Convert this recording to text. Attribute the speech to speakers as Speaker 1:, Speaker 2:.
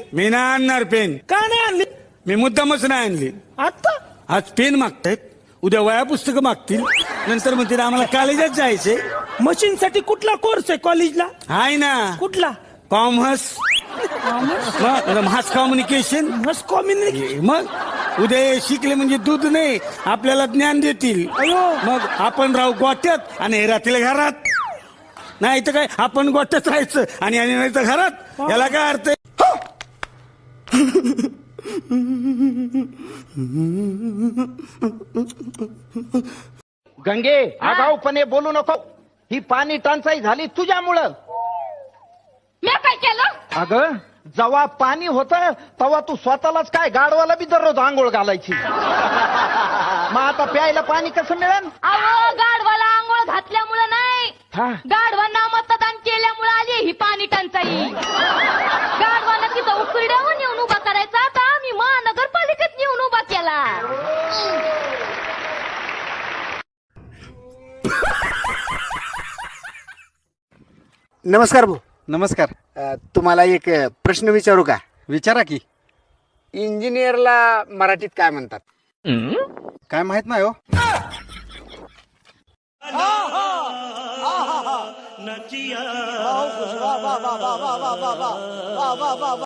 Speaker 1: Pen?
Speaker 2: मी नाही आणणार pen.
Speaker 1: का नाही आणली?
Speaker 2: मी मुद्दामच नाही आणली.
Speaker 1: आता
Speaker 2: आज पेन मागतायत, उद्या वया पुस्तकं मागतील, नंतर म्हणतील आम्हाला कॉलेजात जायचंय.
Speaker 1: मशीन साठी कुठला कोर्स आहे कॉलेजला?
Speaker 2: हाय ना,
Speaker 1: कुठला?
Speaker 2: Commerce, mass communication.
Speaker 1: मस्त कॉम्युनिकेशन.
Speaker 2: मग उद्या शिकले म्हणजे दूध नाही, आपल्याला ज्ञान देतील.
Speaker 1: अयो.
Speaker 2: मग आपण राहू गोट्यात आणि हे राहतील घरात. नाही तर काय, आपण गोट्यात राहायचं आणि नाही तर घरात. याला काय अर्थ आहे?
Speaker 3: गंगे, आगाऊपणे बोलू नको. ही पाणी टंचाई झाली तुझ्यामुळं.
Speaker 4: मी काय केलं?
Speaker 3: अगं, जेव्हा पाणी होतं तेव्हा तू स्वतःलाच काय गाडवाला बी दररोज आंघोळ घालायची. मग आता प्यायला पाणी कसं मिळेल?
Speaker 4: अहो, गाढवाला आंघोळ घातल्यामुळे नाही,
Speaker 3: हा.
Speaker 4: गाढवांना मतदान केल्यामुळे आली ही पाणी टंचाई. गाढवांना तिथं उकिरड्यावर नेऊन उभा करायचा, आता आम्ही महानगरपालिकेत नेऊन उभा केला.
Speaker 5: नमस्कार भाऊ.
Speaker 6: नमस्कार.
Speaker 5: तुम्हाला एक प्रश्न विचारू का?
Speaker 6: विचारा की.
Speaker 5: इंजिनियरला मराठीत काय म्हणतात?
Speaker 6: काय माहित नाही हो.